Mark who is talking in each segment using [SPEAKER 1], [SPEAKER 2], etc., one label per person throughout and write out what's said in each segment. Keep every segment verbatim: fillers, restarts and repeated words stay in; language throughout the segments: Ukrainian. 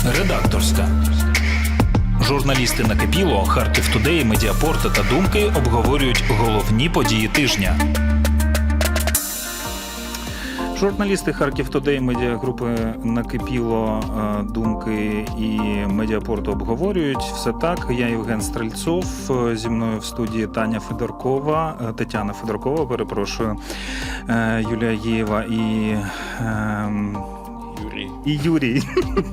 [SPEAKER 1] Редакторська. Журналісти «Накипіло», «Харків Тудей», «Медіапорт» та «Думки» обговорюють головні події тижня. Журналісти «Харків Тудей», медіагрупи «Накипіло», «Думки» і «Медіапорту» обговорюють. Все так. Я Євген Стрельцов, зі мною в студії Таня Федоркова, Тетяна Федоркова, перепрошую, Юлія Єєва і...
[SPEAKER 2] Юрій.
[SPEAKER 1] І Юрій.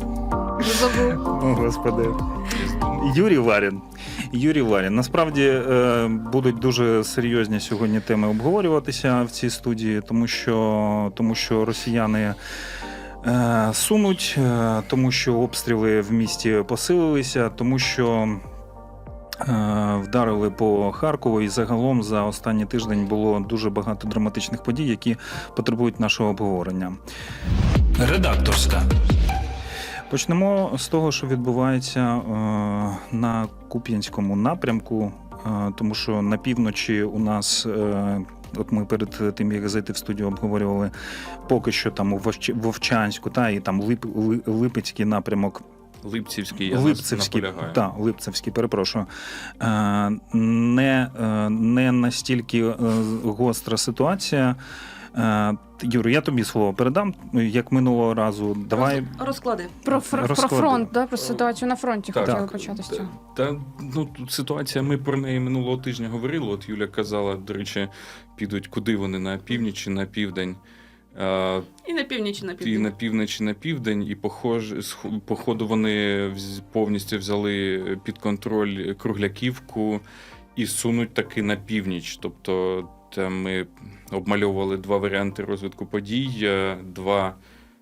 [SPEAKER 1] О, Господи. Юрій Варін. Юрій Варін. Насправді будуть дуже серйозні сьогодні теми обговорюватися в цій студії, тому що, тому що росіяни сунуть, тому що обстріли в місті посилилися, тому що вдарили по Харкову, і загалом за останній тиждень було дуже багато драматичних подій, які потребують нашого обговорення. Редакторська. Почнемо з того, що відбувається е, на Куп'янському напрямку, е, тому що на півночі у нас, е, от ми перед тим, як зайти в студію, обговорювали поки що там у Вовчанську, та, і там Лип, Липецький напрямок.
[SPEAKER 2] Липцівський, я
[SPEAKER 1] Липцевський,
[SPEAKER 2] наполягаю.
[SPEAKER 1] Так, Липцевський, перепрошую. Е, не, е, не настільки е, гостра ситуація. Юр, я тобі слово передам, як минулого разу. Давай
[SPEAKER 3] розклади.
[SPEAKER 4] Про, фр... про фронт, да? Про ситуацію на фронті
[SPEAKER 2] так,
[SPEAKER 4] хотіли
[SPEAKER 2] так,
[SPEAKER 4] почати з цього.
[SPEAKER 2] Та, ну, ситуація, ми про неї минулого тижня говорили. От Юля казала, до речі, підуть куди вони, на північ чи на південь.
[SPEAKER 3] І на північ, і на південь.
[SPEAKER 2] І на північ, і на південь. І похож, походу вони повністю взяли під контроль Кругляківку і сунуть таки на північ. Тобто там ми обмальовували два варіанти розвитку подій, два,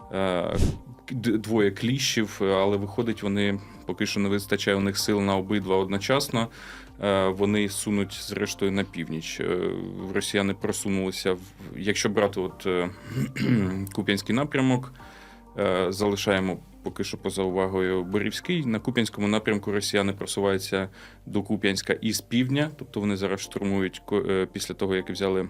[SPEAKER 2] двоє кліщів, але виходить, вони поки що не вистачає у них сил на обидва одночасно. Вони сунуть зрештою на північ. Росіяни просунулися, в, якщо брати от Куп'янський напрямок, залишаємо поки що поза увагою Борівський. На Куп'янському напрямку росіяни просуваються до Куп'янська із півдня, тобто вони зараз штурмують після того, як взяли.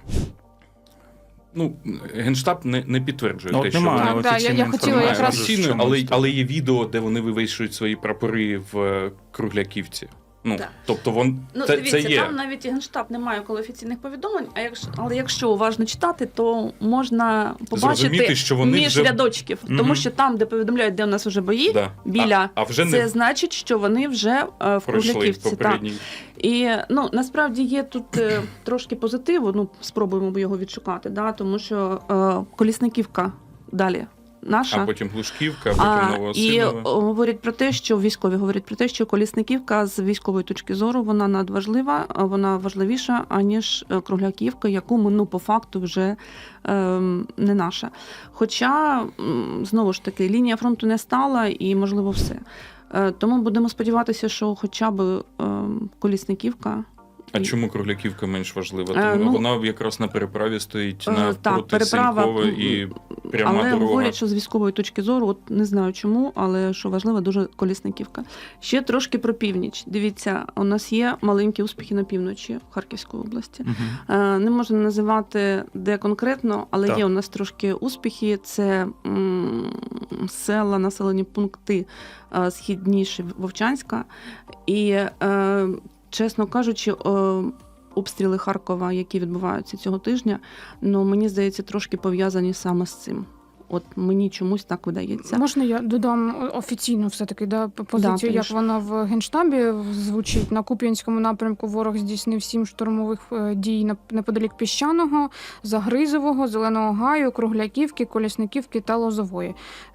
[SPEAKER 2] Ну, Генштаб не, не підтверджує
[SPEAKER 1] ну,
[SPEAKER 2] те, що
[SPEAKER 1] немає
[SPEAKER 2] вони
[SPEAKER 4] да, я, я хотіла якраз...
[SPEAKER 2] офіційно, але, але є відео, де вони вивішують свої прапори в Кругляківці. Ну,
[SPEAKER 3] так.
[SPEAKER 2] Тобто вон,
[SPEAKER 3] ну,
[SPEAKER 2] це,
[SPEAKER 3] дивіться,
[SPEAKER 2] це є.
[SPEAKER 3] Там навіть Генштаб не має коли офіційних повідомлень, а якщо, але якщо уважно читати, то можна побачити
[SPEAKER 2] що вони
[SPEAKER 3] між
[SPEAKER 2] вже...
[SPEAKER 3] рядочків.
[SPEAKER 2] Mm-hmm.
[SPEAKER 3] Тому що там, де повідомляють, де у нас вже бої,
[SPEAKER 2] да.
[SPEAKER 3] біля,
[SPEAKER 2] а, а вже
[SPEAKER 3] це
[SPEAKER 2] не...
[SPEAKER 3] значить, що вони вже е, в Кругляківці.
[SPEAKER 2] Попередній...
[SPEAKER 3] І ну, насправді є тут е, трошки позитиву, ну, спробуємо його відшукати, да, тому що е, Колісниківка далі. Наша.
[SPEAKER 2] А потім Глушківка, а потім Новоосинове.
[SPEAKER 3] І говорять про те, що військові говорять про те, що Колісниківка з військової точки зору вона надважлива, вона важливіша, аніж Кругляківка, яку ми, ну, по факту вже ем, не наша. Хоча, знову ж таки, лінія фронту не стала і, можливо, все. Е, тому будемо сподіватися, що хоча б ем, Колісниківка.
[SPEAKER 2] А чому Кругляківка менш важлива?
[SPEAKER 3] А,
[SPEAKER 2] Тому
[SPEAKER 3] ну,
[SPEAKER 2] вона якраз на переправі стоїть навпроти Сінькове і пряма
[SPEAKER 3] але
[SPEAKER 2] дорога.
[SPEAKER 3] говорять, що з військової точки зору, от не знаю чому, але що важливо, дуже Колісниківка. Ще трошки про північ. Дивіться, у нас є маленькі успіхи на півночі Харківської області. Угу. Не можна називати де конкретно, але так. Є у нас трошки успіхи. Це м, села, населені пункти східніше Вовчанська. І е, чесно кажучи, обстріли Харкова, які відбуваються цього тижня, ну, мені здається, трошки пов'язані саме з цим. От мені чомусь так видається.
[SPEAKER 4] Можна я додам офіційну все-таки да, позицію, да, як вона в Генштабі звучить. На Куп'янському напрямку ворог здійснив сім штурмових дій неподалік Піщаного, Загризового, Зеленого Гаю, Кругляківки, Колісниківки та Лозової.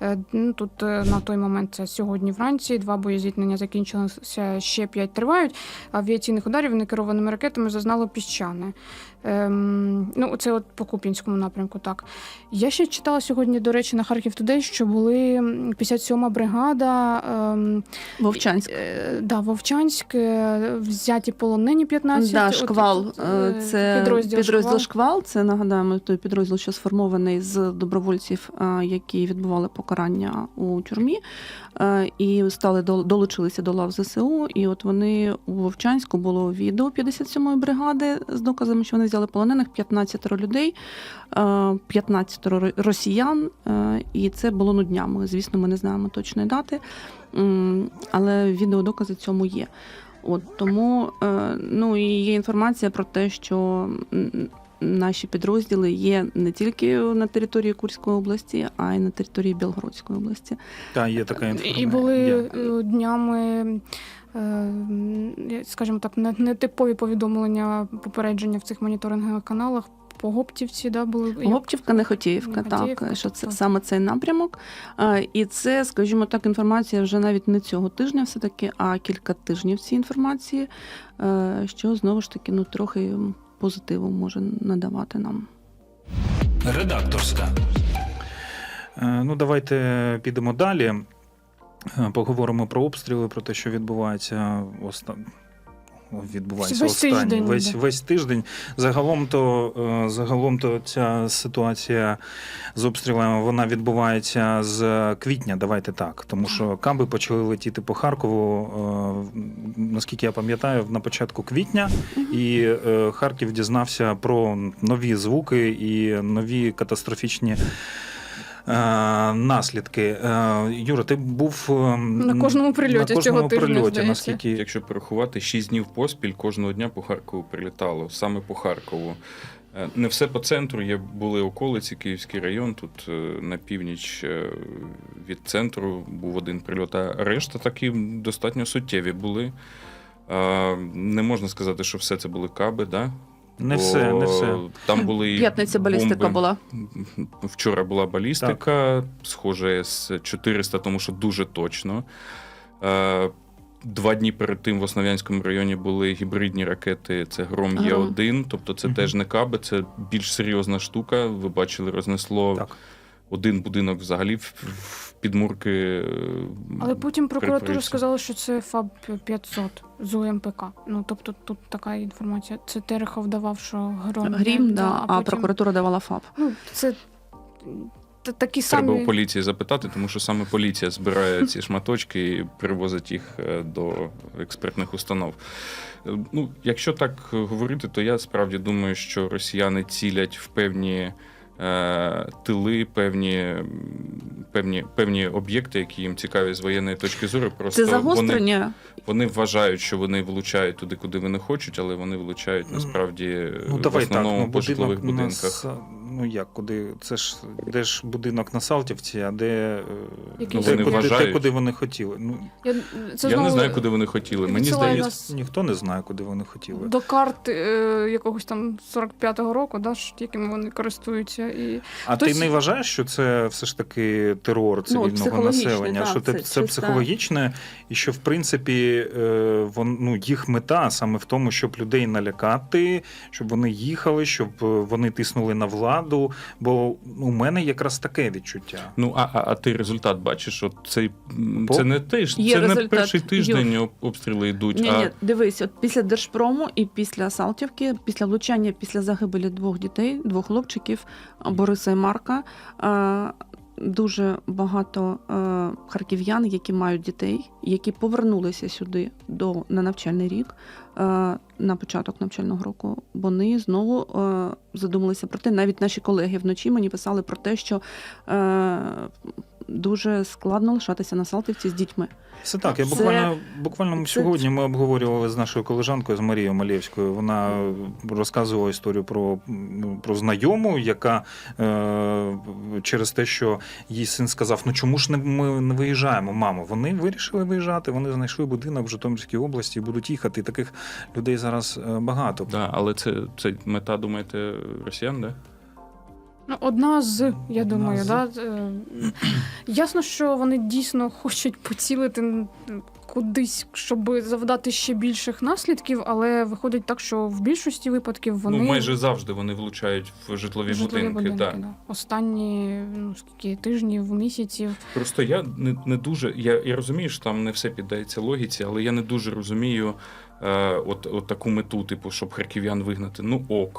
[SPEAKER 4] Тут на той момент, це сьогодні вранці, два боєзіткнення закінчилися, ще п'ять тривають. Авіаційних ударів некерованими ракетами зазнало Піщане. Ем, ну, це от по Куп'янському напрямку, так. Я ще читала сьогодні, до речі, на Харків Тудей, що були п'ятдесят сьома бригада. Ем,
[SPEAKER 3] Вовчанськ.
[SPEAKER 4] Е, да, Вовчанськ, взяті полонені п'ятнадцять.
[SPEAKER 3] Да, Шквал. От, е, це підрозділ, підрозділ Шквал. Шквал. Це, нагадаємо, той підрозділ, що сформований з добровольців, які відбували покарання у тюрмі. І стали долучилися до лав зе се у. І от вони у Вовчанську було відео п'ятдесят сьомої бригади з доказами, що вони взяли полонених п'ятнадцять людей, п'ятнадцять росіян, і це було ну днями. Звісно, ми не знаємо точної дати, але відеодокази цьому є. От тому ну і є інформація про те, що наші підрозділи є не тільки на території Курської області, а й на території Білгородської області.
[SPEAKER 1] Так, є така інформація.
[SPEAKER 4] І були є. днями, скажімо так, нетипові повідомлення, попередження в цих моніторингових каналах. Погоптівці, да, були?
[SPEAKER 3] Погоптівка, Нехотіївка,
[SPEAKER 4] Нехотіївка,
[SPEAKER 3] так, що це
[SPEAKER 4] так.
[SPEAKER 3] саме цей напрямок. І це, скажімо так, інформація вже навіть не цього тижня все-таки, а кілька тижнів цієї інформації, що, знову ж таки, ну, трохи позитиву може надавати нам.
[SPEAKER 1] Редакторська. Ну, давайте підемо далі. Поговоримо про обстріли, про те, що відбувається останнє. Відбувається
[SPEAKER 4] весь
[SPEAKER 1] останній
[SPEAKER 4] тиждень,
[SPEAKER 1] весь,
[SPEAKER 4] да.
[SPEAKER 1] весь тиждень. Загалом то, загалом то ця ситуація з обстрілами, вона відбувається з квітня, давайте так. Тому що каби почали летіти по Харкову, наскільки я пам'ятаю, на початку квітня. І Харків дізнався про нові звуки і нові катастрофічні наслідки. Юра, ти був
[SPEAKER 4] на кожному прильоті
[SPEAKER 1] на кожному
[SPEAKER 4] цього тижня,
[SPEAKER 1] прильоті,
[SPEAKER 4] здається.
[SPEAKER 1] наскільки...
[SPEAKER 2] Якщо порахувати, шість днів поспіль кожного дня по Харкову прилітало, саме по Харкову. Не все по центру, є були околиці, Київський район, тут на північ від центру був один прильот, а решта такі достатньо суттєві були. Не можна сказати, що все це були каби, да?
[SPEAKER 1] Не все, не все.
[SPEAKER 2] Там були
[SPEAKER 3] П'ятниця балістика
[SPEAKER 2] бомби.
[SPEAKER 3] була.
[SPEAKER 2] Вчора була балістика, так. Схоже, С чотириста, тому що дуже точно. Два дні перед тим в Основ'янському районі були гібридні ракети, це Гром Є один, тобто це угу. теж не каби, це більш серйозна штука. Ви бачили, рознесло так. один будинок взагалі в підмурки.
[SPEAKER 4] Але потім прокуратура сказала, що це ФАБ п'ятсот з У Ем Пе Ка. Ну, тобто тут така інформація. Це Терехов давав, що Гром.
[SPEAKER 3] Грім,
[SPEAKER 4] є,
[SPEAKER 3] да,
[SPEAKER 4] а,
[SPEAKER 3] а
[SPEAKER 4] потім...
[SPEAKER 3] прокуратура давала ФАБ.
[SPEAKER 4] Ну, це такі самі...
[SPEAKER 2] Треба у поліції запитати, тому що саме поліція збирає ці шматочки і привозить їх до експертних установ. Ну, якщо так говорити, то я справді думаю, що росіяни цілять в певні тили, певні, певні, певні об'єкти, які їм цікаві з воєнної точки зору. Просто
[SPEAKER 3] це загострення?
[SPEAKER 2] Вони, вони вважають, що вони влучають туди, куди вони хочуть, але вони влучають насправді
[SPEAKER 1] ну,
[SPEAKER 2] в основному
[SPEAKER 1] так, ну,
[SPEAKER 2] по житлових будинках.
[SPEAKER 1] Нас, ну як, куди? Це ж де ж будинок на Салтівці, а де,
[SPEAKER 2] ну,
[SPEAKER 1] де,
[SPEAKER 2] вони
[SPEAKER 1] куди,
[SPEAKER 2] вважають...
[SPEAKER 1] де куди вони хотіли? Ну,
[SPEAKER 4] я
[SPEAKER 2] це я знову... не знаю, куди вони хотіли. Мені здається,
[SPEAKER 3] нас...
[SPEAKER 1] ніхто не знає, куди вони хотіли.
[SPEAKER 4] До карт е, якогось там сорок п'ятого року, да, якими вони користуються. І...
[SPEAKER 1] А
[SPEAKER 4] Хтось...
[SPEAKER 1] ти не вважаєш, що це все ж таки терор цивільного
[SPEAKER 3] ну,
[SPEAKER 1] населення?
[SPEAKER 3] Да,
[SPEAKER 1] що це, це, це психологічне, і що в принципі вон, ну, їх мета саме в тому, щоб людей налякати, щоб вони їхали, щоб вони тиснули на владу. Бо у мене якраз таке відчуття.
[SPEAKER 2] Ну а, а, а ти результат бачиш? От цей
[SPEAKER 1] Бо...
[SPEAKER 2] це не теж
[SPEAKER 3] Є
[SPEAKER 2] це
[SPEAKER 3] результат.
[SPEAKER 2] Не перший тиждень Юр. Обстріли йдуть.
[SPEAKER 3] Ні,
[SPEAKER 2] а...
[SPEAKER 3] ні, дивись, от після Держпрому і після Салтівки, після влучання, після загибелі двох дітей, двох хлопчиків, Бориса і Марка, дуже багато харків'ян, які мають дітей, які повернулися сюди до, на навчальний рік, на початок навчального року, вони знову задумалися про те, навіть наші колеги вночі мені писали про те, що дуже складно лишатися на Салтівці з дітьми.
[SPEAKER 1] Все так. Я
[SPEAKER 3] це,
[SPEAKER 1] буквально, буквально
[SPEAKER 3] це...
[SPEAKER 1] сьогодні ми обговорювали з нашою колежанкою, з Марією Малєвською. Вона розказувала історію про, про знайому, яка е, через те, що її син сказав, ну чому ж не, ми не виїжджаємо, мамо? Вони вирішили виїжджати, вони знайшли будинок в Житомирській області і будуть їхати. І таких людей зараз багато.
[SPEAKER 2] Да, але це, це мета, думаєте, росіян, да?
[SPEAKER 4] Ну, одна з, я
[SPEAKER 1] одна
[SPEAKER 4] думаю,
[SPEAKER 1] з.
[SPEAKER 4] да. Ясно, що вони дійсно хочуть поцілити кудись, щоб завдати ще більших наслідків, але виходить так, що в більшості випадків вони...
[SPEAKER 2] Ну, майже завжди вони влучають в житлові,
[SPEAKER 4] житлові
[SPEAKER 2] будинки.
[SPEAKER 4] будинки
[SPEAKER 2] да.
[SPEAKER 4] Да. Останні, ну, скільки тижнів, місяців.
[SPEAKER 2] Просто я не, не дуже... Я, я розумію, що там не все піддається логіці, але я не дуже розумію е, от, от таку мету, типу, щоб харків'ян вигнати. Ну, ок.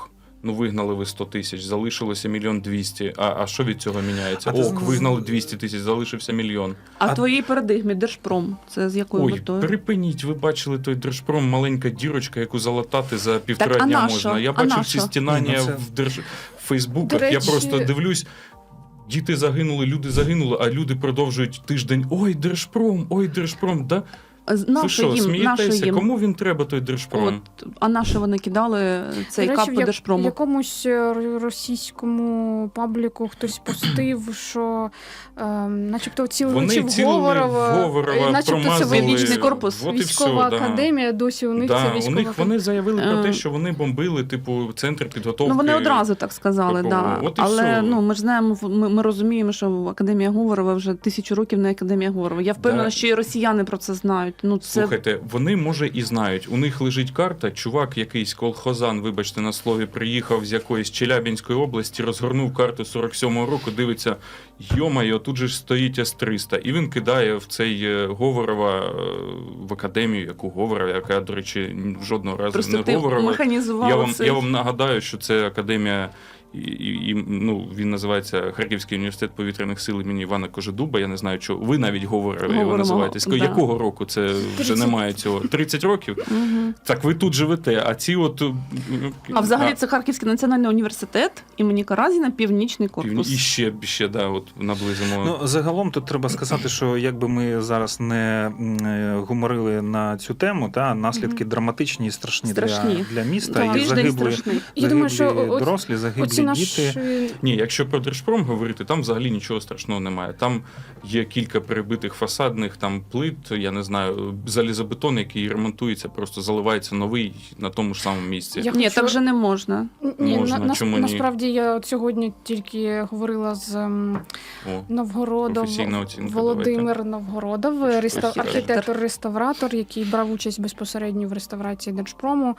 [SPEAKER 2] Ну, вигнали ви сто тисяч, залишилося мільйон двісті. А, а що від цього міняється?
[SPEAKER 1] А ти
[SPEAKER 2] Ок,
[SPEAKER 1] знаєш-
[SPEAKER 2] вигнали двісті тисяч, залишився мільйон.
[SPEAKER 3] А,
[SPEAKER 1] А-
[SPEAKER 3] в твоїй парадигмі Держпром це з якою
[SPEAKER 2] Ой,
[SPEAKER 3] метою?
[SPEAKER 2] припиніть, ви бачили той Держпром, маленька дірочка, яку залатати за півтора
[SPEAKER 3] а
[SPEAKER 2] дня
[SPEAKER 3] на
[SPEAKER 2] можна.
[SPEAKER 3] що?
[SPEAKER 2] Я
[SPEAKER 3] А
[SPEAKER 2] бачив
[SPEAKER 3] на
[SPEAKER 2] всі
[SPEAKER 3] що?
[SPEAKER 2] стінання
[SPEAKER 1] Ні, ну це-
[SPEAKER 2] в держ... в Фейсбуках.
[SPEAKER 4] До
[SPEAKER 2] Я
[SPEAKER 4] речі-
[SPEAKER 2] просто дивлюсь. Діти загинули, люди загинули, а люди продовжують тиждень. Ой, Держпром, ой, Держпром. Да?
[SPEAKER 3] З-
[SPEAKER 2] Ви
[SPEAKER 3] Нащо
[SPEAKER 2] що,
[SPEAKER 3] їм, нащо
[SPEAKER 2] смієтеся?
[SPEAKER 3] їм?
[SPEAKER 2] Кому він треба, той Держпром?
[SPEAKER 3] От, а на що вони кидали цей
[SPEAKER 4] До речі,
[SPEAKER 3] кап
[SPEAKER 4] в
[SPEAKER 3] по
[SPEAKER 4] як-
[SPEAKER 3] Держпрому?
[SPEAKER 4] В якомусь е, російському пабліку хтось постив, що е, начебто цілили
[SPEAKER 2] Вони
[SPEAKER 4] чи в
[SPEAKER 2] цілили в
[SPEAKER 4] Говорова,
[SPEAKER 2] Говорова,
[SPEAKER 4] і начебто це
[SPEAKER 2] промазали.
[SPEAKER 3] Північний корпус.
[SPEAKER 2] От і
[SPEAKER 4] військова
[SPEAKER 2] все, да.
[SPEAKER 4] академія, досі у них
[SPEAKER 2] Да,
[SPEAKER 4] це
[SPEAKER 2] у
[SPEAKER 4] військова
[SPEAKER 2] них
[SPEAKER 4] академія.
[SPEAKER 2] вони заявили про
[SPEAKER 3] Е,
[SPEAKER 2] те, що вони бомбили, типу, центр підготовки.
[SPEAKER 3] Ну, вони одразу так сказали,
[SPEAKER 2] такого.
[SPEAKER 3] да.
[SPEAKER 2] От і
[SPEAKER 3] Але
[SPEAKER 2] все.
[SPEAKER 3] ну, ми ж знаємо, ми, ми розуміємо, що Академія Говорова вже тисячу років не Академія Говорова. Я впевнена,
[SPEAKER 2] Да.
[SPEAKER 3] що і росіяни про це знають. Ну, це...
[SPEAKER 2] Слухайте, вони, може, і знають. У них лежить карта, чувак якийсь колхозан, вибачте на слові, приїхав з якоїсь Челябинської області, розгорнув карту сорок сьомого року, дивиться, йо-майо, тут же ж стоїть С триста. І він кидає в цей е, Говорова е, в академію, яку Говорова, яка, до речі, жодного разу
[SPEAKER 3] Просто
[SPEAKER 2] не
[SPEAKER 3] ти
[SPEAKER 2] Говорова.
[SPEAKER 3] механізував
[SPEAKER 2] Я вам,
[SPEAKER 3] цей...
[SPEAKER 2] я вам нагадаю, що це академія, і, і, і, ну, він називається Харківський університет повітряних сил імені Івана Кожедуба. Я не знаю, що ви навіть говорили, його
[SPEAKER 3] Говоримо,
[SPEAKER 2] називаєте. З
[SPEAKER 3] да.
[SPEAKER 2] якого року це вже
[SPEAKER 4] тридцять.
[SPEAKER 2] немає цього? тридцять років?
[SPEAKER 3] Мгм.
[SPEAKER 2] Так ви тут живете, а ці от...
[SPEAKER 3] А взагалі це Харківський національний університет імені Каразіна, Північний корпус.
[SPEAKER 2] І ще, ще да, от наблизимо.
[SPEAKER 1] Ну, загалом тут треба сказати, що якби ми зараз не м, е, гуморили на цю тему, та наслідки
[SPEAKER 3] Мгм.
[SPEAKER 1] драматичні і страшні,
[SPEAKER 3] Страшні.
[SPEAKER 1] Для, для міста.
[SPEAKER 4] Так.
[SPEAKER 1] І
[SPEAKER 3] Тиждень
[SPEAKER 1] загибли,
[SPEAKER 3] страшний.
[SPEAKER 4] Я думаю,
[SPEAKER 1] загиблі
[SPEAKER 4] що о-
[SPEAKER 1] дорослі, загиблі
[SPEAKER 4] Оці наші...
[SPEAKER 1] діти.
[SPEAKER 2] Ні, якщо про Держпром говорити, там взагалі нічого страшного немає. Там є кілька перебитих фасадних там плит, я не знаю, залізобетон, який ремонтується, просто заливається новий на тому ж самому місці.
[SPEAKER 4] Я
[SPEAKER 3] Ні,
[SPEAKER 4] хочу-
[SPEAKER 3] так вже не можна.
[SPEAKER 4] Ні,
[SPEAKER 2] Можна,
[SPEAKER 4] на,
[SPEAKER 2] чому ні?
[SPEAKER 4] насправді я от сьогодні тільки говорила з ем,
[SPEAKER 2] О,
[SPEAKER 4] Новгородов,
[SPEAKER 2] професійна оцінка,
[SPEAKER 4] Володимир Новгородов, реста...
[SPEAKER 2] Архітектор.
[SPEAKER 4] архітектор-реставратор, який брав участь безпосередньо в реставрації Держпрому.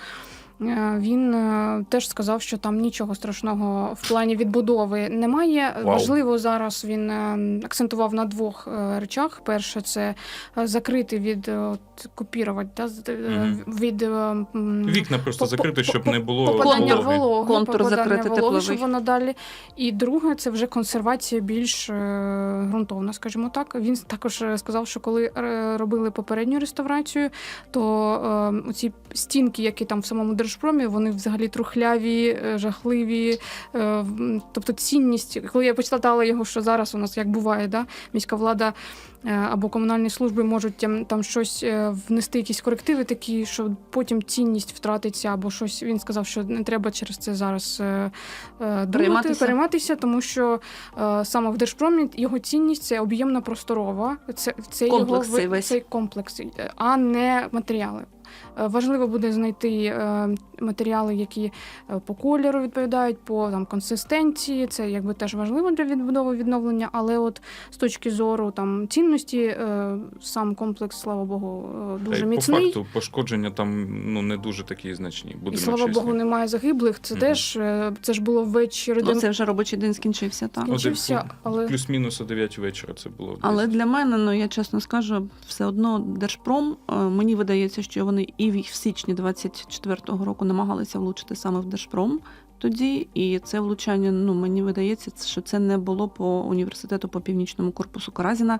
[SPEAKER 4] Е, Він е, теж сказав, що там нічого страшного в плані відбудови немає.
[SPEAKER 2] Вау.
[SPEAKER 4] Важливо зараз він е, акцентував на двох е, речах. Перше, це е, закрити від е, от, копірувати, да, з- е,
[SPEAKER 2] Мгм.
[SPEAKER 4] від е, м,
[SPEAKER 2] Вікна просто
[SPEAKER 4] по-
[SPEAKER 2] закрити,
[SPEAKER 4] по-
[SPEAKER 2] щоб
[SPEAKER 4] по-
[SPEAKER 2] не було
[SPEAKER 4] попадання
[SPEAKER 2] вологи.
[SPEAKER 4] вологи,
[SPEAKER 3] Контур
[SPEAKER 4] попадання
[SPEAKER 3] закрити
[SPEAKER 4] вологи,
[SPEAKER 3] тепловий.
[SPEAKER 4] щоб воно далі. І друге, це вже консервація більш е, ґрунтовна, скажімо так. Він також е, сказав, що коли е, робили попередню реставрацію, то е, оці стінки, які там в самому Держпромі, вони взагалі трухляві, е, жахливі. Е, м, тобто цінність, коли я почитала його, що зараз у нас як буває, да, міська влада е, або комунальні служби можуть там, там щось е, внести, якісь корективи такі, що потім цінність втратиться, або щось. Він сказав, що не треба через це зараз е, е, думати,
[SPEAKER 3] Перейматися.
[SPEAKER 4] перейматися, тому що е, саме в Держпромі його цінність це об'ємна просторова, це, це
[SPEAKER 3] Комплекс
[SPEAKER 4] його
[SPEAKER 3] цей
[SPEAKER 4] ви-
[SPEAKER 3] весь.
[SPEAKER 4] цей комплекс, е, а не матеріали. Е, Важливо буде знайти е, матеріали, які е, по кольору відповідають, по там консистенції. Це якби теж важливо для відбудови відновлення, але от з точки зору там цінності, е, сам комплекс, слава Богу, е,
[SPEAKER 2] Та й
[SPEAKER 4] дуже
[SPEAKER 2] по
[SPEAKER 4] міцний.
[SPEAKER 2] факту пошкодження там ну не дуже такі значні.
[SPEAKER 4] І
[SPEAKER 2] Будемо
[SPEAKER 4] слава
[SPEAKER 2] чесні.
[SPEAKER 4] Богу, немає загиблих. Це
[SPEAKER 2] Мгм.
[SPEAKER 4] теж е, це ж було ввечері.
[SPEAKER 3] Ну,
[SPEAKER 4] де
[SPEAKER 3] це вже робочий день скінчився, так.
[SPEAKER 4] скінчився, але
[SPEAKER 2] Плюс-мінус о дев'ять вечора це було.
[SPEAKER 3] Але для мене, ну я чесно скажу, все одно Держпром, е, мені видається, що вони і в в січні двадцять четвертого року намагалися влучити саме в Держпром тоді, і це влучання, ну мені видається, що це не було по університету по північному корпусу Каразіна, е,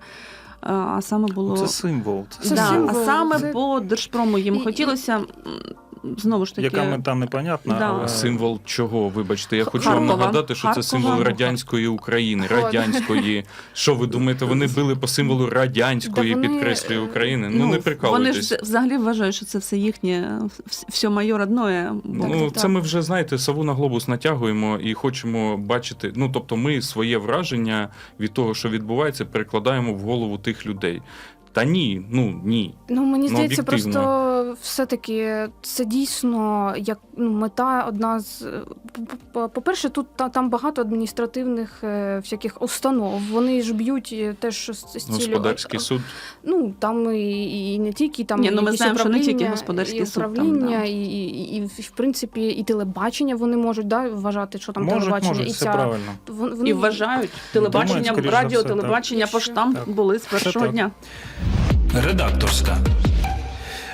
[SPEAKER 3] а саме було
[SPEAKER 1] Це символ. Це
[SPEAKER 4] Це
[SPEAKER 3] да,
[SPEAKER 1] символ.
[SPEAKER 3] а
[SPEAKER 4] символ,
[SPEAKER 3] саме
[SPEAKER 4] це-
[SPEAKER 3] по Держпрому їм
[SPEAKER 4] І- і-
[SPEAKER 3] хотілося м, знову ж таки.
[SPEAKER 1] Яка мета непонятна,
[SPEAKER 3] Да.
[SPEAKER 1] але
[SPEAKER 2] Символ чого? Вибачте, я хочу
[SPEAKER 3] Харкова.
[SPEAKER 2] вам нагадати, що це
[SPEAKER 3] Харкова.
[SPEAKER 2] символ радянської України.
[SPEAKER 4] От.
[SPEAKER 2] Радянської. Що ви думаєте, вони били по символу радянської,
[SPEAKER 4] Да вони,
[SPEAKER 2] підкреслює
[SPEAKER 4] е,
[SPEAKER 2] України? Ну,
[SPEAKER 3] Ну,
[SPEAKER 2] не
[SPEAKER 3] вони
[SPEAKER 2] прикалуйтесь.
[SPEAKER 3] ж взагалі вважають, що це все їхнє, вс- все моє родное.
[SPEAKER 2] Ну,
[SPEAKER 4] Так, так,
[SPEAKER 2] це
[SPEAKER 4] так.
[SPEAKER 2] ми вже, знаєте, сову на глобус натягуємо і хочемо бачити. Ну, тобто, ми своє враження від того, що відбувається, перекладаємо в голову тих людей. Та ні, ну ні.
[SPEAKER 4] Ну, мені
[SPEAKER 2] Ну,
[SPEAKER 4] здається,
[SPEAKER 2] об'єктивно.
[SPEAKER 4] просто все-таки це дійсно як ну, мета одна з. по- По-перше, тут та- там багато адміністративних е, всяких установ. Вони ж б'ють е, теж з, з цілею.
[SPEAKER 2] Господарський суд.
[SPEAKER 4] Ну, там і, і не тільки там
[SPEAKER 3] Ні, ну, ми
[SPEAKER 4] якісь
[SPEAKER 3] знаємо, що не тільки
[SPEAKER 4] управління,
[SPEAKER 3] господарський
[SPEAKER 4] і
[SPEAKER 3] суд там,
[SPEAKER 4] управління,
[SPEAKER 3] да.
[SPEAKER 4] і, і, і, в принципі, і телебачення вони можуть да, вважати, що там
[SPEAKER 1] можуть,
[SPEAKER 4] телебачення.
[SPEAKER 1] можуть,
[SPEAKER 4] і
[SPEAKER 1] це
[SPEAKER 4] ця,
[SPEAKER 1] правильно.
[SPEAKER 4] вон- вони,
[SPEAKER 3] І вважають телебачення,
[SPEAKER 1] Думають, скоріш
[SPEAKER 3] радіо,
[SPEAKER 1] за все, так.
[SPEAKER 3] телебачення,
[SPEAKER 4] І що?
[SPEAKER 3] поштамп
[SPEAKER 1] Так.
[SPEAKER 3] були з першого
[SPEAKER 1] так.
[SPEAKER 3] дня.
[SPEAKER 1] Редакторська.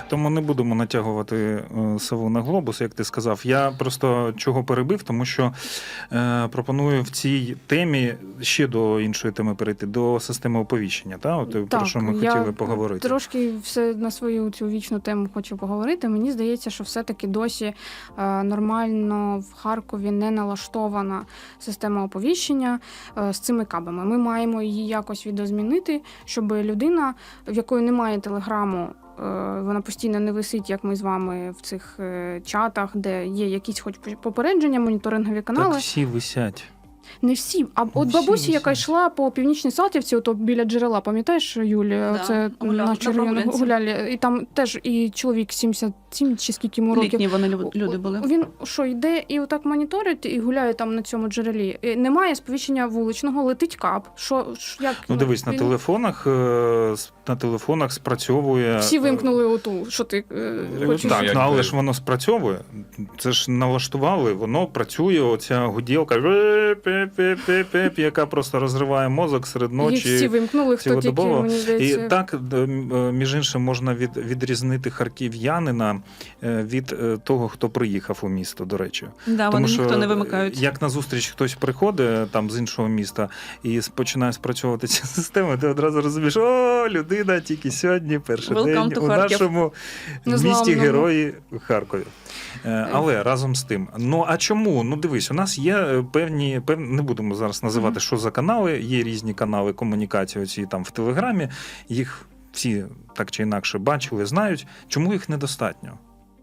[SPEAKER 1] Тому не будемо натягувати е, сову на глобус, як ти сказав. Я просто чого перебив, тому що е, пропоную в цій темі ще до іншої теми перейти, до системи оповіщення. Та? От,
[SPEAKER 4] Так,
[SPEAKER 1] про що ми
[SPEAKER 4] я
[SPEAKER 1] хотіли поговорити.
[SPEAKER 4] Трошки все на свою цю вічну тему хочу поговорити. Мені здається, що все-таки досі е, нормально в Харкові не налаштована система оповіщення е, з цими кабами. Ми маємо її якось відозмінити, щоб людина, в якої немає телеграму, вона постійно не висить, як ми з вами в цих чатах, де є якісь хоч попередження, моніторингові канали.
[SPEAKER 1] Так всі висять.
[SPEAKER 4] Не всі. А от
[SPEAKER 1] Всі
[SPEAKER 4] бабусі,
[SPEAKER 1] висять.
[SPEAKER 4] яка йшла по Північній Салтівці, ото біля джерела, пам'ятаєш, Юлі?
[SPEAKER 3] Да,
[SPEAKER 4] Це
[SPEAKER 3] гуляла,
[SPEAKER 4] на червоно
[SPEAKER 3] прогулянці.
[SPEAKER 4] гуляли. І там теж і чоловік сімдесят сім чи скільки йому років.
[SPEAKER 3] Літні вони лю- люди були.
[SPEAKER 4] Він що, йде і отак моніторить і гуляє там на цьому джерелі. І немає сповіщення вуличного, летить кап. Що, що як,
[SPEAKER 1] Ну, дивись, на
[SPEAKER 4] він-
[SPEAKER 1] телефонах, е, с- на телефонах спрацьовує...
[SPEAKER 4] Всі вимкнули оту, що ти е,
[SPEAKER 2] Е,
[SPEAKER 4] хочеш.
[SPEAKER 1] Так,
[SPEAKER 2] Якби-
[SPEAKER 1] ну, але ж воно спрацьовує. Це ж налаштували, воно працює, оця гуділка, пеп-пеп-пеп-пеп, яка просто розриває мозок серед
[SPEAKER 4] Їх
[SPEAKER 1] ночі.
[SPEAKER 4] всі вимкнули, хто тільки,
[SPEAKER 1] цілодобово.
[SPEAKER 4] мені
[SPEAKER 1] І
[SPEAKER 4] здається.
[SPEAKER 1] так, е, між іншим, можна від, відрізнити харків'янина е, від е, того, хто приїхав у місто, до речі.
[SPEAKER 3] Да, вони ніхто не вимикають.
[SPEAKER 1] Як на зустріч хтось приходить там з іншого міста і починає спрацьовувати ця система, ти одразу розумієш, о, людина тільки сьогодні, перший
[SPEAKER 3] Welcome
[SPEAKER 1] день
[SPEAKER 3] to
[SPEAKER 1] у
[SPEAKER 3] Харків.
[SPEAKER 1] нашому місті
[SPEAKER 4] Незламному.
[SPEAKER 1] Герої Харкові. Е, Але разом з тим, ну а чому? Ну дивись, у нас є е, певні, певні, не будемо зараз називати,
[SPEAKER 4] Мгм.
[SPEAKER 1] що за канали, є різні канали комунікації оці там в Телеграмі, їх всі так чи інакше бачили, знають, чому їх недостатньо?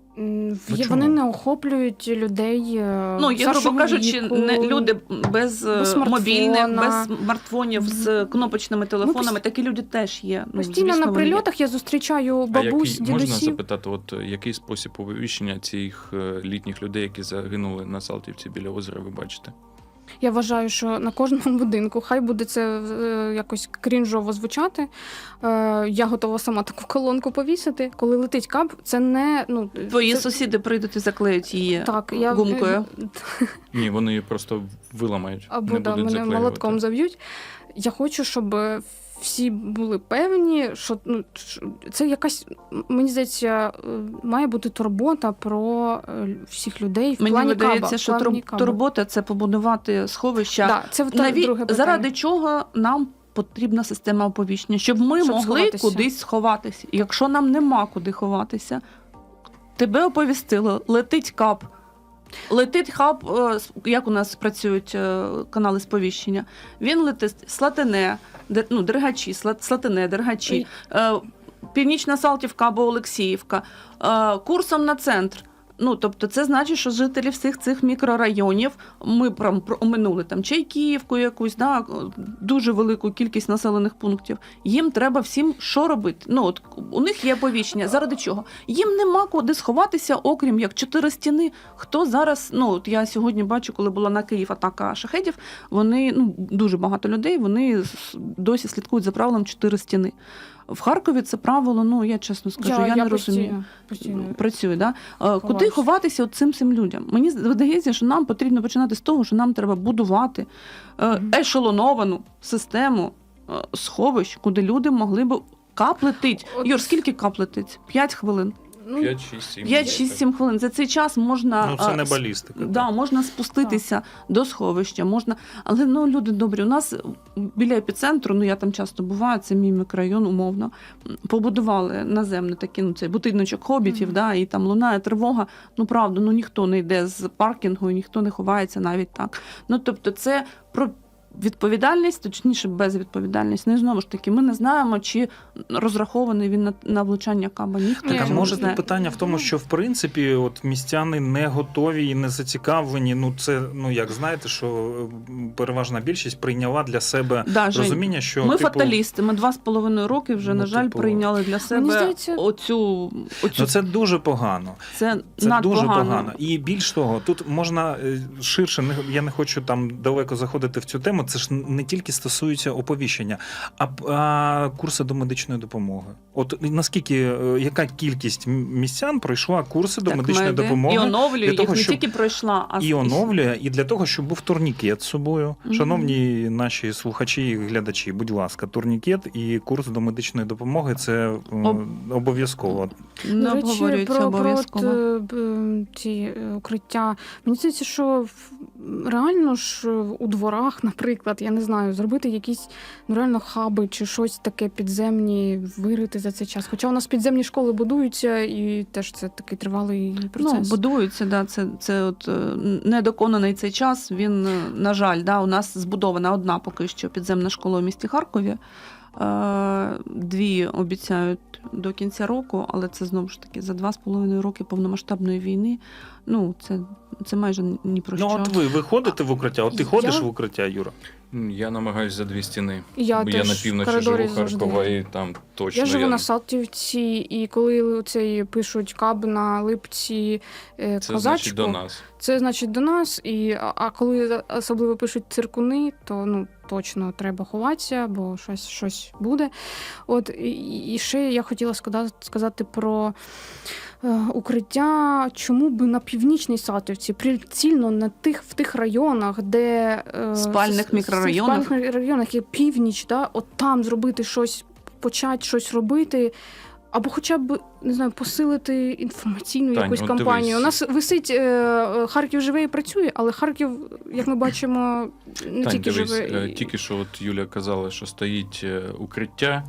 [SPEAKER 4] М,
[SPEAKER 1] Ну,
[SPEAKER 4] є-
[SPEAKER 1] чому?
[SPEAKER 4] Вони не охоплюють людей. е,
[SPEAKER 3] Ну, є,
[SPEAKER 4] старшого
[SPEAKER 3] грубо кажучи,
[SPEAKER 4] віку.
[SPEAKER 3] не, люди без, е,
[SPEAKER 4] без смартфона.
[SPEAKER 3] мобільних, без смартфонів, з кнопочними телефонами.
[SPEAKER 4] пост-
[SPEAKER 3] Такі люди теж є. Ну,
[SPEAKER 4] Постійно
[SPEAKER 3] звісно,
[SPEAKER 4] на
[SPEAKER 3] вони є.
[SPEAKER 4] прильотах я зустрічаю
[SPEAKER 2] А
[SPEAKER 4] бабусь,
[SPEAKER 2] який, можна
[SPEAKER 4] дідусів.
[SPEAKER 2] запитати, от е, який спосіб оповіщення цих е, літніх людей, які загинули на Салтівці біля озера, ви бачите?
[SPEAKER 4] Я вважаю, що на кожному будинку, хай буде це е, якось крінжово звучати. Е, я готова сама таку колонку повісити. Коли летить кап, це не ну
[SPEAKER 3] Твої
[SPEAKER 4] це,
[SPEAKER 3] сусіди прийдуть і заклеють її
[SPEAKER 4] так, я
[SPEAKER 3] гумкою.
[SPEAKER 2] Ні, вони її просто виламають,
[SPEAKER 4] Або
[SPEAKER 2] не
[SPEAKER 4] да,
[SPEAKER 2] будуть
[SPEAKER 4] мене
[SPEAKER 2] заклеювати.
[SPEAKER 4] молотком заб'ють. Я хочу, щоб всі були певні, що ну, що це якась, мені здається, е, має бути турбота про е, всіх людей в
[SPEAKER 3] Мені
[SPEAKER 4] плані
[SPEAKER 3] видається,
[SPEAKER 4] каба.
[SPEAKER 3] що
[SPEAKER 4] в плані
[SPEAKER 3] тур-
[SPEAKER 4] каба.
[SPEAKER 3] турбота це побудувати сховища.
[SPEAKER 4] Да, це та,
[SPEAKER 3] Наві...
[SPEAKER 4] друге питання.
[SPEAKER 3] Заради чого нам потрібна система оповіщення? Щоб ми
[SPEAKER 4] Щоб
[SPEAKER 3] могли
[SPEAKER 4] сховатися.
[SPEAKER 3] кудись сховатися. І якщо нам нема куди ховатися, тебе оповістили, летить кап. Летить хаб, е, с- як у нас працюють е, канали сповіщення. Він летить Слатине, Дер- ну, Дергачі, Сла- Слатине, Дергачі, е, Північна Салтівка або Олексіївка, е, курсом на центр. Ну, тобто, це значить, що жителі всіх цих мікрорайонів, ми прям про- оминули там Чайківку якусь, да, дуже велику кількість населених пунктів. Їм треба всім що робити? Ну, от у них є оповіщення. Заради чого? Їм нема куди сховатися, окрім як чотири стіни. Хто зараз, ну, от я сьогодні бачу, коли була на Київ атака шахедів, вони, ну, дуже багато людей, вони с- досі слідкують за правилом чотири стіни. В Харкові це правило, ну, я чесно скажу, я, не розумію.
[SPEAKER 4] Постійно.
[SPEAKER 3] Працює, да? Е, Куди
[SPEAKER 4] Ховаюся.
[SPEAKER 3] ховатися от цим цим людям? Мені здається, що нам потрібно починати з того, що нам треба будувати е,
[SPEAKER 4] Мгм.
[SPEAKER 3] ешелоновану систему е, сховищ, куди люди могли б кап летить.
[SPEAKER 4] От-
[SPEAKER 3] Юр, скільки кап летить? П'ять хвилин.
[SPEAKER 4] Ну,
[SPEAKER 2] п'ять, шість, сім.
[SPEAKER 3] П'ять, шість, сім хвилин. За цей час можна
[SPEAKER 1] Ну, це
[SPEAKER 3] е,
[SPEAKER 1] не
[SPEAKER 3] с-
[SPEAKER 1] балістика.
[SPEAKER 3] Да, можна спуститися до сховища, можна. Але ну люди добрі. У нас біля епіцентру, ну я там часто буваю, це мій мікрорайон, умовно. Побудували наземний такий, ну цей будиночок хобітів,
[SPEAKER 4] Мгм.
[SPEAKER 3] да, і там лунає тривога. Ну правда, ну ніхто не йде з паркінгу, і ніхто не ховається навіть так. Ну тобто, це про відповідальність, точніше, безвідповідальність. Ну і знову ж таки, ми не знаємо, чи розрахований він на, на влучання каба. Ніхто
[SPEAKER 4] Ні,
[SPEAKER 1] Так, а
[SPEAKER 3] цього
[SPEAKER 1] може
[SPEAKER 3] не
[SPEAKER 1] тут
[SPEAKER 3] знає.
[SPEAKER 1] питання в тому, що в принципі от містяни не готові і не зацікавлені. Ну це ну як знаєте, що м, переважна більшість прийняла для себе
[SPEAKER 3] Да, Жень,
[SPEAKER 1] розуміння, що
[SPEAKER 3] ми
[SPEAKER 1] типу,
[SPEAKER 3] фаталісти. Ми два з половиною роки вже,
[SPEAKER 1] Ну,
[SPEAKER 3] на жаль,
[SPEAKER 1] типу,
[SPEAKER 3] прийняли для себе
[SPEAKER 4] здається-
[SPEAKER 3] оцю, оцю
[SPEAKER 1] ну це дуже погано.
[SPEAKER 3] це,
[SPEAKER 1] Це
[SPEAKER 3] надпогано.
[SPEAKER 1] дуже погано. І більш того, тут можна е, ширше, не- я не хочу там далеко заходити в цю тему, це ж не тільки стосується оповіщення, а, а курси до медичної допомоги. От наскільки, яка кількість містян пройшла курси до
[SPEAKER 3] Так,
[SPEAKER 1] медичної
[SPEAKER 3] меди.
[SPEAKER 1] допомоги?
[SPEAKER 3] І оновлює,
[SPEAKER 1] для того,
[SPEAKER 3] їх не
[SPEAKER 1] щоб-
[SPEAKER 3] тільки пройшла, а
[SPEAKER 1] І оновлює, і для того, щоб був турнікет з собою.
[SPEAKER 3] Мгм.
[SPEAKER 1] Шановні наші слухачі і глядачі, будь ласка, турнікет і курс до медичної допомоги – це е,
[SPEAKER 3] Об-
[SPEAKER 1] обов'язково.
[SPEAKER 3] не
[SPEAKER 4] До речі,
[SPEAKER 3] обговорюється
[SPEAKER 4] про, про
[SPEAKER 3] обов'язково.
[SPEAKER 4] от, е, б- ці е, укриття. Мені здається, що в- реально ж у дворах, наприклад, я не знаю, зробити якісь ну, реально хаби чи щось таке підземні, вирити за цей час. Хоча у нас підземні школи будуються, і теж це такий тривалий
[SPEAKER 3] Ну,
[SPEAKER 4] процес.
[SPEAKER 3] будуються, да, це, це от е, недоконаний цей час. Він, е, на жаль, да, у нас збудована одна поки що підземна школа у місті Харкові. Е, Дві обіцяють до кінця року, але це знову ж таки за два з половиною роки повномасштабної війни. Ну, це, це майже ні про
[SPEAKER 1] Ну,
[SPEAKER 3] що.
[SPEAKER 1] от ви, ви ходите в укриття? От ти
[SPEAKER 4] Я-
[SPEAKER 1] ходиш в укриття, Юра?
[SPEAKER 2] Я намагаюся за дві стіни.
[SPEAKER 4] Я
[SPEAKER 2] Бо
[SPEAKER 4] теж
[SPEAKER 2] я на
[SPEAKER 4] в
[SPEAKER 2] півночі
[SPEAKER 4] коридорі
[SPEAKER 2] живу Харкова,
[SPEAKER 4] завжди.
[SPEAKER 2] і там точно
[SPEAKER 4] Я живу на Салтівці, і коли цей пишуть каб на Липці, е,
[SPEAKER 2] Це
[SPEAKER 4] козачку,
[SPEAKER 2] значить до нас.
[SPEAKER 4] це значить до нас. І, а, а коли особливо пишуть циркуни, то ну точно треба ховатися, бо щось, щось буде. От і, і ще я хотіла сказати, сказати про е, укриття. Чому би на північній Салтівці, прицільно на тих в тих районах, де е,
[SPEAKER 3] Спальних
[SPEAKER 4] с- с-
[SPEAKER 3] мікрорайонах.
[SPEAKER 4] спальних мікрорайонах є північ, да, от там зробити щось, почати щось робити. Або хоча б, не знаю, посилити інформаційну
[SPEAKER 2] Тань,
[SPEAKER 4] якусь
[SPEAKER 2] от
[SPEAKER 4] кампанію.
[SPEAKER 2] дивись.
[SPEAKER 4] У нас висить е, Харків живе і працює, але Харків, як ми бачимо, не
[SPEAKER 2] Тань,
[SPEAKER 4] тільки
[SPEAKER 2] дивись,
[SPEAKER 4] живе.
[SPEAKER 2] е,
[SPEAKER 4] і-
[SPEAKER 2] тільки що от Юля казала, що стоїть е, укриття,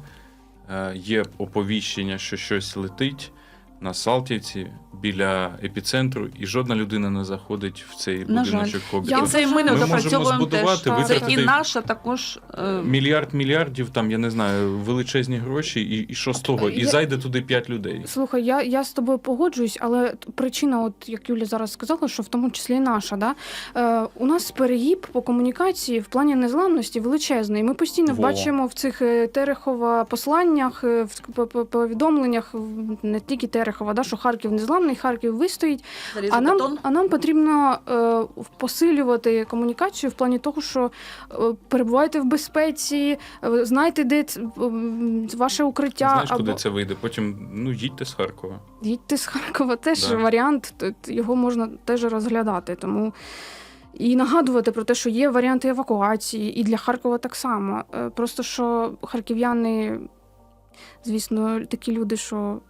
[SPEAKER 2] е, є оповіщення, що щось летить на Салтівці біля епіцентру, і жодна людина не заходить в цей
[SPEAKER 3] На жаль.
[SPEAKER 2] будиночок
[SPEAKER 4] Я
[SPEAKER 2] Хобіта.
[SPEAKER 3] І це і ми не
[SPEAKER 2] Ми можемо
[SPEAKER 3] допрацьовуємо теж.
[SPEAKER 2] збудувати,
[SPEAKER 3] Це і
[SPEAKER 2] витратити
[SPEAKER 3] наша також. е,
[SPEAKER 2] Мільярд мільярдів, там, я не знаю, величезні гроші, і, і що з того? І
[SPEAKER 4] Я-
[SPEAKER 2] зайде туди п'ять людей.
[SPEAKER 4] Слухай, я, я з тобою погоджуюсь, але т- причина, от як Юля зараз сказала, що в тому числі і наша, да? е, у нас перегиб по комунікації в плані незламності величезний. Ми постійно
[SPEAKER 2] Во.
[SPEAKER 4] бачимо в цих е, Терехова посланнях, е, в п- п- повідомленнях, в- не тільки Терехова, да, що Харків незламний, Харків вистоїть. А нам, а нам потрібно е, посилювати комунікацію в плані того, що е, перебувайте в безпеці, е, знайте, де ц- м, ваше укриття.
[SPEAKER 2] Знаєш, куди
[SPEAKER 4] або...
[SPEAKER 2] це вийде? Потім, ну, їдьте з Харкова.
[SPEAKER 4] Їдьте з Харкова теж
[SPEAKER 2] Да.
[SPEAKER 4] варіант, т- т- його можна теж розглядати. Тому і нагадувати про те, що є варіанти евакуації, і для Харкова так само. Е, Просто що харків'яни, звісно, такі люди, що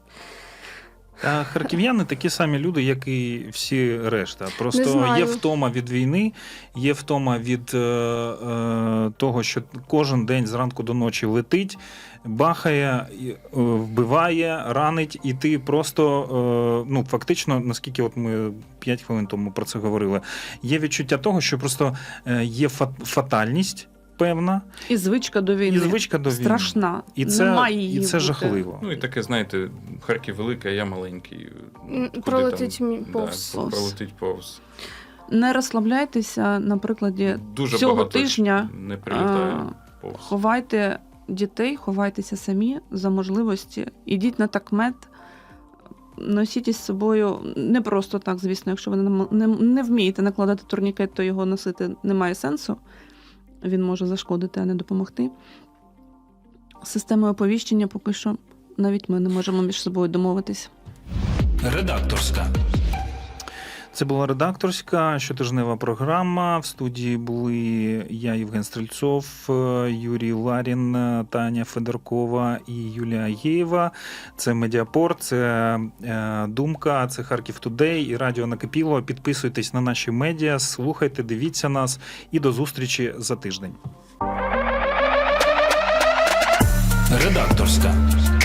[SPEAKER 1] А харків'яни такі самі люди, як і всі решта.
[SPEAKER 4] Не
[SPEAKER 1] Просто
[SPEAKER 4] знаю.
[SPEAKER 1] є втома від війни, є втома від е, е, того, що кожен день зранку до ночі летить, бахає, і, е, вбиває, ранить, і ти просто, е, ну, фактично, наскільки от ми п'ять хвилин тому про це говорили, є відчуття того, що просто е, є фат- фатальність певна,
[SPEAKER 3] І звичка до війни.
[SPEAKER 1] і звичка до війни.
[SPEAKER 3] Страшна.
[SPEAKER 1] І це,
[SPEAKER 3] Немає її
[SPEAKER 1] і це
[SPEAKER 3] бути.
[SPEAKER 1] жахливо.
[SPEAKER 2] Ну і таке, знаєте, Харків великий, а я маленький.
[SPEAKER 4] М,
[SPEAKER 2] Куди
[SPEAKER 4] пролетить
[SPEAKER 2] там,
[SPEAKER 4] мі- повз.
[SPEAKER 2] Да, пролетить повз.
[SPEAKER 3] Не розслабляйтеся, на прикладі
[SPEAKER 2] Дуже
[SPEAKER 3] цього
[SPEAKER 2] багато
[SPEAKER 3] тижня
[SPEAKER 2] не прилітає
[SPEAKER 3] а,
[SPEAKER 2] повз.
[SPEAKER 3] ховайте дітей, ховайтеся самі за можливості. Ідіть на такмет, носіть із собою не просто так, звісно, якщо ви не, не, не вмієте накладати турнікет, то його носити немає сенсу. Він може зашкодити, а не допомогти. З системою оповіщення поки що навіть ми не можемо між собою домовитись.
[SPEAKER 1] Редакторська. Це була редакторська щотижнева програма. В студії були я, Євген Стрельцов, Юрій Ларін, Таня Федоркова і Юлія Єєва. Це Медіапорт, це е, Думка, це Харків Тудей і Радіо Накипіло. Підписуйтесь на наші медіа, слухайте, дивіться нас і до зустрічі за тиждень. Редакторська.